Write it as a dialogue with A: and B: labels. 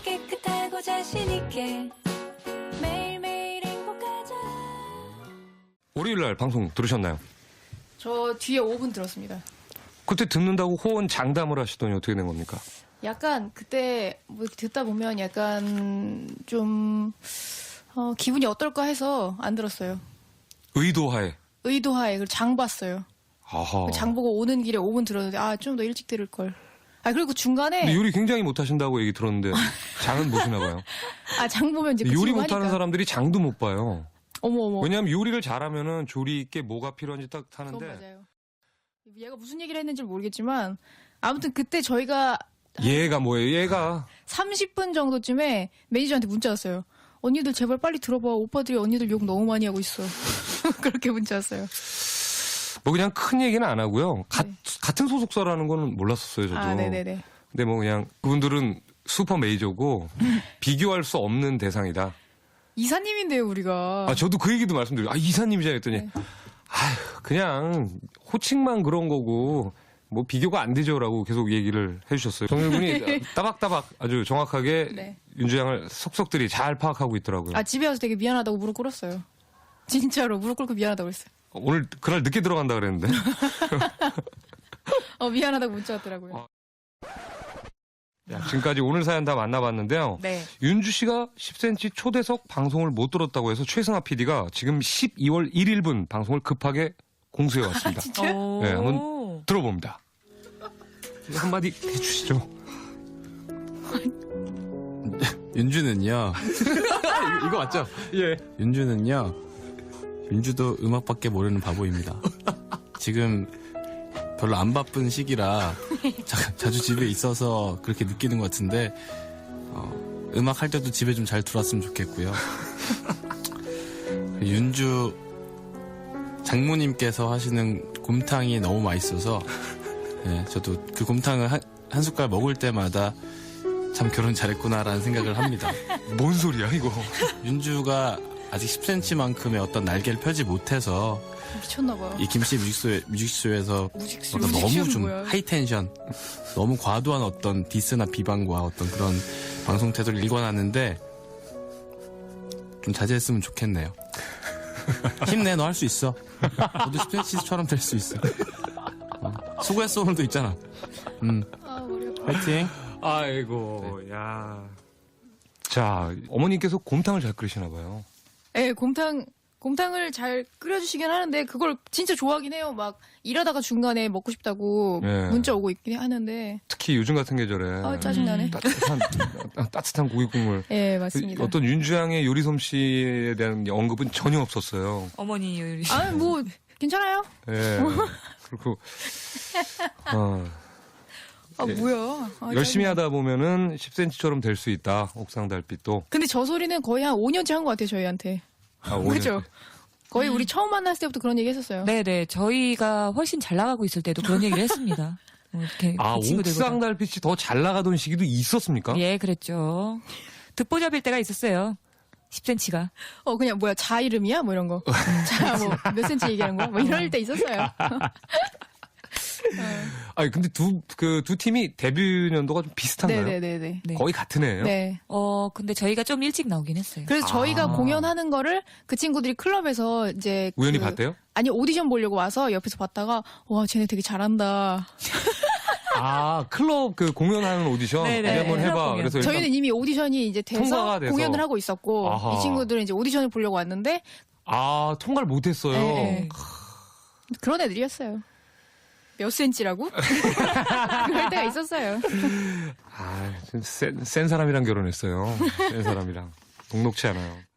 A: 깨끗하고 자신있게 매일매일 행복하자.
B: 월요일날 방송 들으셨나요?
C: 저 뒤에 5분 들었습니다.
B: 그때 듣는다고 호언 장담을 하시더니 어떻게 된 겁니까?
C: 약간 그때 뭐 듣다 보면 약간 좀 기분이 어떨까 해서 안 들었어요.
B: 의도하에.
C: 의도하에 그리고 장 봤어요.
B: 아하.
C: 장 보고 오는 길에 5분 들었는데 좀 더 일찍 들을 걸. 그리고 중간에
B: 근데 요리 굉장히 못하신다고 얘기 들었는데 장은 보시나 봐요.
C: 장 보면 이제
B: 요리
C: 그치고
B: 못하는
C: 하니까.
B: 사람들이 장도 못 봐요.
C: 어머.
B: 왜냐하면 요리를 잘하면은 조리 있게 뭐가 필요한지 딱
C: 그건
B: 타는데
C: 맞아요. 얘가 무슨 얘기를 했는지 모르겠지만 아무튼 그때 저희가
B: 얘가 뭐예요? 얘가
C: 30분 정도쯤에 매니저한테 문자 왔어요. 언니들 제발 빨리 들어봐. 오빠들이 언니들 욕 너무 많이 하고 있어. 그렇게 문자 왔어요.
B: 뭐 그냥 큰 얘기는 안 하고요.
C: 네.
B: 같은 소속사라는 거는 몰랐었어요, 저도.
C: 네네네.
B: 근데 뭐 그냥 그분들은 슈퍼 메이저고 비교할 수 없는 대상이다.
C: 이사님인데요, 우리가.
B: 저도 그 얘기도 말씀드려요. 이사님이자 했더니
C: 네.
B: 그냥 호칭만 그런 거고 뭐 비교가 안 되죠라고 계속 얘기를 해주셨어요. 정일군이 따박따박 아주 정확하게
C: 네.
B: 윤주 양을 속속들이 잘 파악하고 있더라고요.
C: 집에 와서 되게 미안하다고 무릎 꿇었어요. 진짜로 무릎 꿇고 미안하다고 했어요.
B: 오늘 그날 늦게 들어간다 그랬는데.
C: 미안하다고 문자 왔더라고요.
B: 지금까지 오늘 사연 다 만나봤는데요.
C: 네.
B: 윤주 씨가 10cm 초대석 방송을 못 들었다고 해서 최승아 PD가 지금 12월 1일분 방송을 급하게 공수해 왔습니다.
C: 진짜요?
B: 네, 한번 들어봅니다. 한마디 해주시죠.
D: 윤주는요. 이거 맞죠?
B: 예.
D: 윤주는요. 윤주도 음악밖에 모르는 바보입니다. 지금 별로 안 바쁜 시기라 자주 집에 있어서 그렇게 느끼는 것 같은데 음악 할 때도 집에 좀 잘 들어왔으면 좋겠고요. 윤주 장모님께서 하시는 곰탕이 너무 맛있어서 저도 그 곰탕을 한 숟갈 먹을 때마다 참 결혼 잘했구나라는 생각을 합니다.
B: 뭔 소리야 이거.
D: 윤주가 아직 10cm만큼의 어떤 날개를 펴지 못해서
C: 미쳤나봐요.
D: 이 김씨 뮤직쇼에서
C: 뮤직쇼.
D: 어떤 너무
C: 뮤직쇼는
D: 좀
C: 뭐야?
D: 하이텐션, 너무 과도한 어떤 디스나 비방과 어떤 그런 방송 태도를 일관하는데 좀 자제했으면 좋겠네요. 힘내, 너 할 수 있어. 너도 10cm처럼 될 수 있어. 수고했어, 오늘도 있잖아.
C: 머리 아파.
D: 화이팅.
B: 아이고, 야. 자, 어머님께서 곰탕을 잘 끓이시나 봐요.
C: 네, 곰탕을 잘 끓여주시긴 하는데 그걸 진짜 좋아하긴 해요. 막 일하다가 중간에 먹고 싶다고
B: 네.
C: 문자 오고 있긴 하는데
B: 특히 요즘 같은 계절에
C: 짜증나네.
B: 따뜻한 고기 국물.
C: 네, 맞습니다.
B: 어떤 윤주 양의 요리 솜씨에 대한 언급은 전혀 없었어요.
E: 어머니 요리.
C: 뭐 괜찮아요.
B: 예. 그리고 예.
C: 뭐야.
B: 열심히
C: 짜증나.
B: 하다 보면은 10cm처럼 될 수 있다. 옥상 달빛도.
C: 근데 저 소리는 거의 한 5년째 한 것 같아요, 저희한테.
B: 5년.
C: 그죠? 거의 우리 처음 만났을 때부터 그런 얘기 했었어요.
E: 네네. 저희가 훨씬 잘 나가고 있을 때도 그런 얘기를 했습니다. 이렇게 그 친구들보다.
B: 옥상 달빛이 더 잘 나가던 시기도 있었습니까?
E: 예, 그랬죠. 듣보잡일 때가 있었어요. 10cm가.
C: 그냥 뭐야, 자 이름이야? 뭐 이런 거. 자, 뭐 몇 센치 얘기하는 거야? 뭐 이럴 때 있었어요.
B: 근데 두 팀이 데뷔 연도가 좀 비슷한가요?
C: 네네네네.
E: 네.
B: 거의 같은 해예요?
C: 네.
E: 근데 저희가 좀 일찍 나오긴 했어요.
C: 그래서 저희가 공연하는 거를 그 친구들이 클럽에서 이제
B: 우연히 봤대요?
C: 아니 오디션 보려고 와서 옆에서 봤다가 와 쟤네 되게 잘한다.
B: 클럽 그 공연하는 오디션
E: 네네.
B: 어디 한번
E: 클럽
B: 해봐.
E: 공연.
B: 그래서
C: 저희는 이미 오디션이 이제
B: 통과가
C: 돼서
B: 돼서.
C: 공연을 하고 있었고
B: 아하.
C: 이 친구들은 이제 오디션을 보려고 왔는데
B: 통과를 못했어요.
C: 네. 그런 애들이었어요. 몇 센치라고? 그럴 때가 있었어요.
B: 센 사람이랑 결혼했어요. 센 사람이랑 녹록치 않아요.